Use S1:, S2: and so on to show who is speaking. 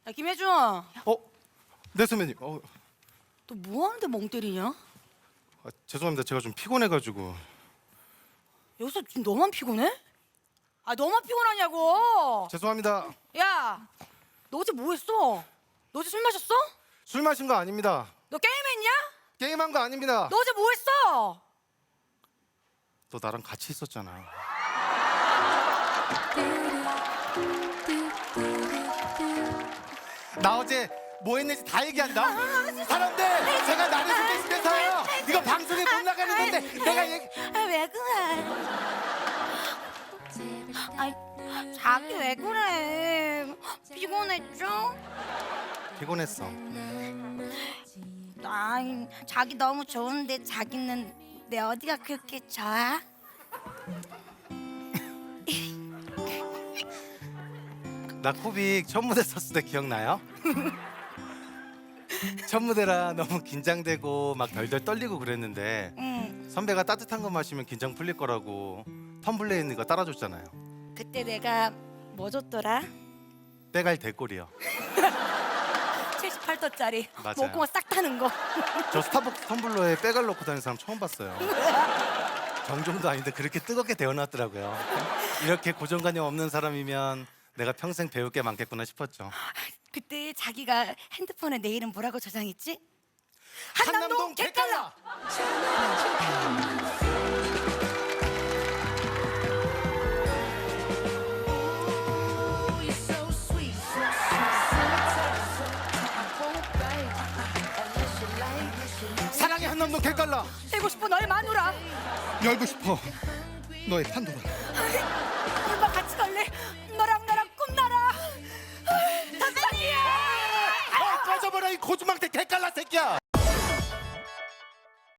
S1: 야 김혜준,
S2: 네 선배님.
S1: 너 뭐 하는데 멍 때리냐?
S2: 죄송합니다. 제가 좀 피곤해가지고.
S1: 여기서 지금 너만 피곤해? 아 너만 피곤하냐고?
S2: 죄송합니다.
S1: 야, 너 어제 뭐 했어? 너 어제 술 마셨어?
S2: 술 마신 거 아닙니다.
S1: 너 게임했냐?
S2: 게임한 거 아닙니다.
S1: 너 어제 뭐 했어?
S2: 너 나랑 같이 있었잖아. 나 어제 뭐 했는지 다 얘기한다. 사람들, 제가 나를 소개시켜서요. 이거 방송에 못 나가는 건데 내가 얘기.
S1: 왜 그래? 아, 자기 왜 그래? 피곤했죠?
S2: 피곤했어.
S1: 아, 자기 너무 좋은데 자기는 내 어디가 그렇게 좋아?
S2: 나 코빅 첫 무대 섰을 때 기억나요? 첫 무대라 너무 긴장되고 막 덜덜 떨리고 그랬는데
S1: 응.
S2: 선배가 따뜻한 거 마시면 긴장 풀릴 거라고 텀블러에 있는 거 따라줬잖아요.
S1: 그때 내가 뭐 줬더라?
S2: 빼갈 대꼴이요.
S1: 78도짜리
S2: 맞아요.
S1: 목구멍 싹 타는 거.
S2: 저 스타벅스 텀블러에 빼갈 넣고 다니는 사람 처음 봤어요. 정종도 아닌데 그렇게 뜨겁게 데워놨더라고요. 이렇게 고정관념 없는 사람이면 내가 평생 배울 게 많겠구나 싶었죠.
S1: 그때 자기가 핸드폰에 내 이름 뭐라고 저장했지?
S2: 한남동 객갈라. 사랑의 한남동 객갈라.
S1: 되고 싶어 너의 마누라.
S2: 열고 싶어 너의 판도라.
S1: 엄마 같이 갈래? 너랑 나랑 꿈나라. 선생님!
S2: 꺼져버려 이 고주망태 객갈라 새끼야.